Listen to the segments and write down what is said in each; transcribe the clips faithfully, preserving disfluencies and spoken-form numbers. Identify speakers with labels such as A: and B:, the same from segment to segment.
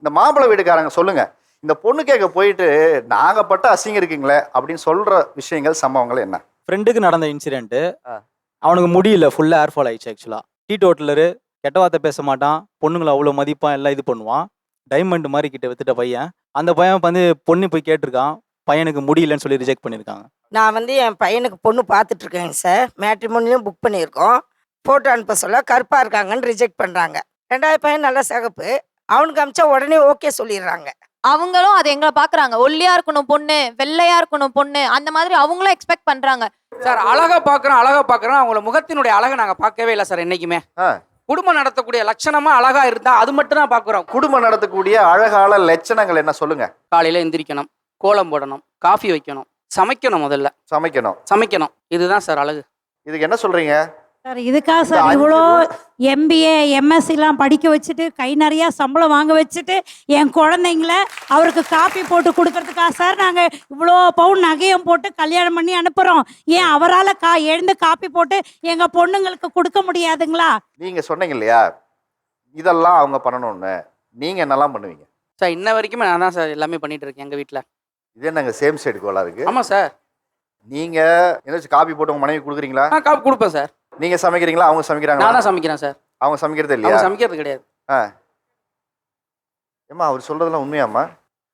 A: இந்த மாப்பிள்ளை வீட்டுக்காரங்க சொல்லுங்க, இந்த பொண்ணு கேட்க போயிட்டு நாங்க பட்ட அசிங்கம் இருக்குங்களே அப்படின்னு சொல்ற விஷயங்கள் சம்பவங்கள் என்ன?
B: ஃப்ரெண்டுக்கு நடந்த இன்சிடென்ட். அவனுக்கு முடியல, ஃபுல்லா ஏர் ஃபால் ஆயிடுச்சு. ஆக்சுவலா டீ டோட்டலரு, கெட்ட வார்த்தை பேச மாட்டான், பொண்ணுங்களை அவ்வளோ மதிப்பான், எல்லாம் இது பண்ணுவான். டைமண்ட் மாதிரி கிட்ட வித்துட்ட பையன். அந்த பையன் வந்து பொண்ணு போய் கேட்டிருக்கான், பையனுக்கு முடியலன்னு சொல்லி ரிஜெக்ட் பண்ணியிருக்காங்க.
C: நான் வந்து என் பையனுக்கு பொண்ணு பார்த்துட்டு இருக்கேங்க சார். மேட்ரிமோனியும் புக் பண்ணியிருக்கோம். ஃபோட்டோ அனுப்ப சொல்ல கருப்பாக இருக்காங்கன்னு ரிஜெக்ட் பண்ணுறாங்க. ரெண்டாவது பையன் நல்ல சிகப்பு, அவனுக்கு அமிச்சா உடனே ஓகே சொல்லிடுறாங்க.
D: அவங்களும் அதை எங்களை பாக்குறாங்க, ஒல்லியா இருக்கணும் பொண்ணு, வெள்ளையா இருக்கணும் பொண்ணு, அந்த மாதிரி அவங்களும் எக்ஸ்பெக்ட் பண்றாங்க.
E: சார் அழகா பாக்குறோம் அழகா பாக்குறோம் அவங்கள முகத்தினுடைய அழகை நாங்க பார்க்கவே இல்லை சார். என்னைக்குமே குடும்பம் நடத்தக்கூடிய லட்சணமா அழகா இருந்தா அது மட்டும் தான் பாக்குறோம்.
A: குடும்பம் நடத்தக்கூடிய அழகால லட்சணங்கள் என்ன சொல்லுங்க?
E: காலையில எந்திரிக்கணும், கோலம் போடணும், காஃபி வைக்கணும், சமைக்கணும், முதல்ல
A: சமைக்கணும்
E: சமைக்கணும் இதுதான் சார் அழகு.
A: இதுக்கு என்ன சொல்றீங்க
F: சார்? இதுக்காக சார் இவ்வளோ எம்பிஏ எம்எஸ்சிலாம் படிக்க வச்சுட்டு கை நிறையா சம்பளம் வாங்க வச்சுட்டு என் குழந்தைங்கள அவருக்கு காப்பி போட்டு கொடுக்கறதுக்காக சார் நாங்கள் இவ்வளோ பவுன் நகையும் போட்டு கல்யாணம் பண்ணி அனுப்புகிறோம். ஏன் அவரால் கா எழுந்து காப்பி போட்டு எங்கள் பொண்ணுங்களுக்கு கொடுக்க முடியாதுங்களா?
A: நீங்க சொன்னீங்க இல்லையா இதெல்லாம் அவங்க பண்ணணும்னு, நீங்க என்னெல்லாம் பண்ணுவீங்க
E: சார்? இன்ன வரைக்குமே நான் தான் சார் எல்லாமே பண்ணிட்டு இருக்கேன் எங்க வீட்டில்.
A: இது என்னங்க சேம் சைடு கோலா இருக்கு?
E: ஆமா சார்.
A: நீங்க ஏதாச்சும் காப்பி போட்டு உங்க மனைவி கொடுக்குறீங்களா?
E: நான் காப்பி கொடுப்பேன் சார்.
A: நீங்க சமைக்கிறீங்களா அவங்க சமைக்கிறாங்களா?
E: நான் தான் சமைக்கிறேன் சார்.
A: அவங்க சமைக்கிறது இல்லையா?
E: அவங்க சமைக்கிறது கிடையாது.
A: ஆ ஏம்மா அவர் சொல்றதெல்லாம் உண்மையாம்மா?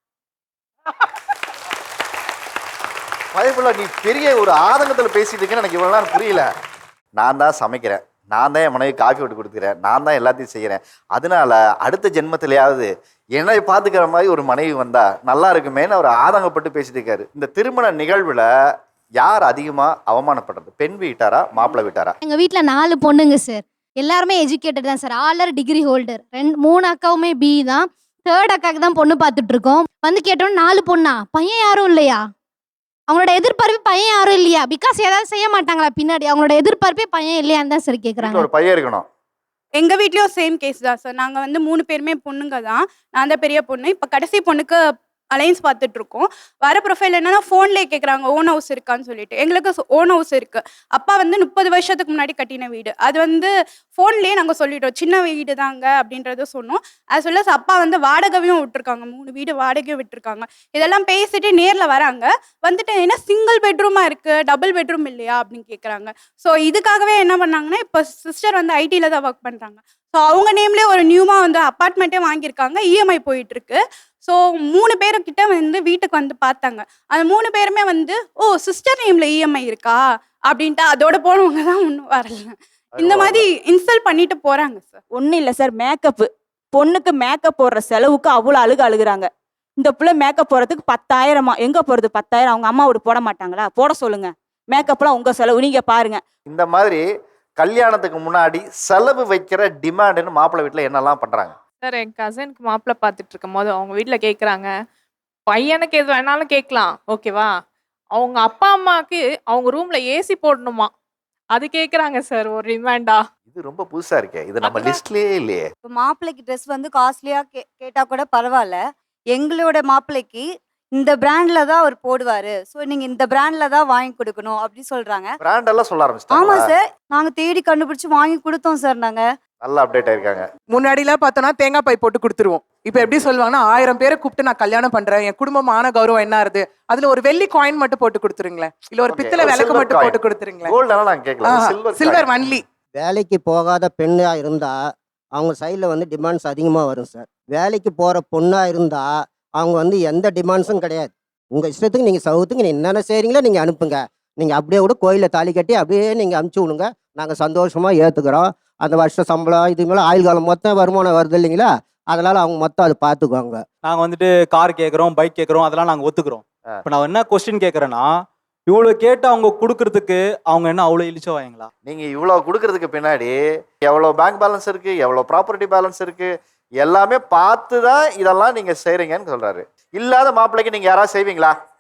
A: பயப்புள்ள நீ பெரிய ஒரு ஆதங்கத்தில் பேசிட்டு இருக்கேன்னு எனக்கு இவ்வளோ நேரம் புரியல. நான் தான் சமைக்கிறேன், நான் தான் என் மனைவி காஃபி போட்டு கொடுத்துக்கிறேன், நான் தான் எல்லாத்தையும் செய்கிறேன், அதனால அடுத்த ஜென்மத்திலேயாவது என்னை பார்த்துக்கிற மாதிரி ஒரு மனைவி வந்தா நல்லா இருக்குமேன்னு அவர் ஆதங்கப்பட்டு பேசிட்டு இருக்காரு. இந்த திருமண நிகழ்வுல யார் அதிகமாக அவமானப்படுறது, பெண் வீட்டாரா மாப்பிள்ளை வீட்டாரா?
G: எங்கள் வீட்டில் நாலு பொண்ணுங்க சார், எல்லாருமே எஜுகேட்டட் தான் சார். ஆலர் degree holder. ரெண்டு மூணு அக்காவுமே பி தான். தேர்ட் அக்காவுக்கு தான் பொண்ணு பார்த்துட்டு இருக்கோம். வந்து கேட்டோம் நாலு பொண்ணா, பையன் யாரும் இல்லையா? அவங்களோட எதிர்பார்ப்பு பையன் யாரும் இல்லையா? பிகாஸ் ஏதாவது செய்ய மாட்டாங்களா பின்னாடி? அவங்களோட எதிர்பார்ப்பே பையன் இல்லையான்னு தான் சார் கேட்குறாங்க.
A: ஒரு பையன் இருக்கணும்.
H: எங்கள் வீட்லேயும் சேம் கேஸ் தான் சார். நாங்கள் வந்து மூணு பேருமே பொண்ணுங்க தான். நான் தான் பெரிய பொண்ணு. இப்போ கடைசி பொண்ணுக்கு அலைன்ஸ் பார்த்துட்டு இருக்கோம். வர ப்ரொஃபைல் என்னன்னா ஃபோன்லேயே கேட்குறாங்க ஓன் ஹவுஸ் இருக்கான்னு சொல்லிட்டு. எங்களுக்கு ஓன் ஹவுஸ் இருக்கு. அப்பா வந்து முப்பது வருஷத்துக்கு முன்னாடி கட்டின வீடு. அது வந்து ஃபோன்லேயே நாங்கள் சொல்லிட்டோம் சின்ன வீடு தாங்க அப்படின்றத சொன்னோம். அது சொல்ல அப்பா வந்து வாடகையும் விட்டுருக்காங்க, மூணு வீடு வாடகையும் விட்டுருக்காங்க. இதெல்லாம் பேசிட்டு நேரில் வராங்க. வந்துட்டு என்ன சிங்கிள் பெட்ரூமாக இருக்குது, டபுள் பெட்ரூம் இல்லையா அப்படின்னு கேட்குறாங்க. ஸோ இதுக்காகவே என்ன பண்ணாங்கன்னா, இப்போ சிஸ்டர் வந்து ஐடியில் தான் ஒர்க் பண்ணுறாங்க. ஸோ அவங்க நேம்லேயே ஒரு நியூமாக வந்து அப்பார்ட்மெண்ட்டே வாங்கியிருக்காங்க. இஎம்ஐ போயிட்டுருக்கு. ஸோ மூணு பேருக்கிட்ட வந்து வீட்டுக்கு வந்து பார்த்தாங்க. அந்த மூணு பேருமே வந்து ஓ சிஸ்டர் நேமில் இஎம்ஐ இருக்கா அப்படின்ட்டு அதோட போனவங்க தான் ஒன்றும் வரல. இந்த மாதிரி இன்ஸ்டால் பண்ணிட்டு போகிறாங்க சார்.
I: ஒன்றும் இல்லை சார், மேக்கப்பு பொண்ணுக்கு மேக்கப் போடுற செலவுக்கு அவ்வளோ அழுகு அழுகுறாங்க. இந்த பிள்ளை மேக்கப் போடுறதுக்கு பத்தாயிரமா? எங்கே போகிறது பத்தாயிரம்? அவங்க அம்மா வீடு போட மாட்டாங்களா? போட சொல்லுங்க. மேக்கப்லாம் உங்கள் செலவு, நீங்கள் பாருங்க.
A: இந்த மாதிரி கல்யாணத்துக்கு முன்னாடி செலவு வைக்கிற டிமாண்டுன்னு மாப்பிள்ளை வீட்டில் என்னெல்லாம் பண்ணுறாங்க?
J: சார் என் கசனுக்கு மாப்பிள்ளை பார்த்துட்டு இருக்கும் போது அவங்க வீட்டில் கேட்குறாங்க, பையனுக்கு எது வேணாலும் கேட்கலாம் ஓகேவா, அவங்க அப்பா அம்மாவுக்கு அவங்க ரூமில் ஏசி போடணுமா, அது கேட்குறாங்க சார் ஒரு டிமாண்டா.
A: இது ரொம்ப புதுசாக இருக்கே, இது நம்ம லிஸ்ட்லேயே இல்லையே.
K: இப்போ மாப்பிள்ளைக்கு ட்ரெஸ் வந்து காஸ்ட்லியாக கே கேட்டால் கூட பரவாயில்ல. எங்களோட மாப்பிள்ளைக்கு இந்த பிராண்ட்ல தான் அவர் போடுவாரு, ஸோ நீங்க இந்த பிராண்ட்ல தான் வாங்கி கொடுக்கணும் அப்படி சொல்றாங்க.
A: பிராண்ட் எல்லாம் சொல்ல ஆரம்பிச்சிட்டாங்க.
K: ஆமா சார், நாங்க தேடி கண்டுபிடிச்சு வாங்கி கொடுத்தோம் சார். நாங்க
A: நல்லா அப்டேட் ஆயிருக்காங்க.
L: முன்னாடிலாம் பார்த்தோன்னா தேங்காய் பை போட்டு கொடுத்துருவோம். இப்போ எப்படி சொல்லுவாங்கன்னா, ஆயிரம் பேரை கூப்பிட்டு நான் கல்யாணம் பண்றேன், என் குடும்பமான கௌரவம் என்ன ஆகுது, அதுல ஒரு வெள்ளி காயின் மட்டும் போட்டு கொடுத்துருங்களேன், இல்ல ஒரு பித்தளை விளக்கு மட்டும் போட்டு கொடுத்துருங்களேன்.
A: கோல்டெல்லாம் நான் கேட்கல,
L: சில்வர் ஒன்லி.
M: வேலைக்கு போகாத பெண்ணா இருந்தா அவங்க சைடில் வந்து டிமாண்ட்ஸ் அதிகமாக வரும் சார். வேலைக்கு போகிற பொண்ணாக இருந்தால் அவங்க வந்து எந்த டிமாண்ட்ஸும் கிடையாது. உங்கள் இஷ்டத்துக்கு நீங்கள் சவுத்துக்கு நீங்கள் என்னென்ன செய்கிறீங்களோ நீங்கள் அனுப்புங்க, நீங்கள் அப்படியே கூட கோயிலில் தாலி கட்டி அப்படியே நீங்கள் அனுப்பிச்சி விடுங்க, நாங்கள் சந்தோஷமாக ஏற்றுக்கிறோம். அந்த வருஷ சம்பளம் இது மேலே ஆயுள் காலம் மொத்தம் வருமானம் வருது இல்லைங்களா, அதனால் அவங்க மொத்தம் அதை பார்த்துக்குவாங்க.
B: நாங்கள் வந்துட்டு கார் கேட்குறோம், பைக் கேட்குறோம், அதெல்லாம் நாங்கள் ஒத்துக்கிறோம். இப்போ நான் என்ன கொஸ்டின் கேட்குறேன்னா, இவ்வளோ கேட்டு அவங்க கொடுக்கறதுக்கு அவங்க என்ன அவ்வளோ இழிச்சோ வாங்களா?
A: நீங்கள் இவ்வளோ கொடுக்கறதுக்கு பின்னாடி எவ்வளோ பேங்க் பேலன்ஸ் இருக்குது, எவ்வளோ ப்ராப்பர்ட்டி பேலன்ஸ் இருக்குது, எல்லாமே பார்த்து தான் இதெல்லாம் நீங்கள் செய்கிறீங்கன்னு சொல்கிறாரு. இல்லாத மாப்பிள்ளைக்கு நீங்கள் யாராவது செய்வீங்களா?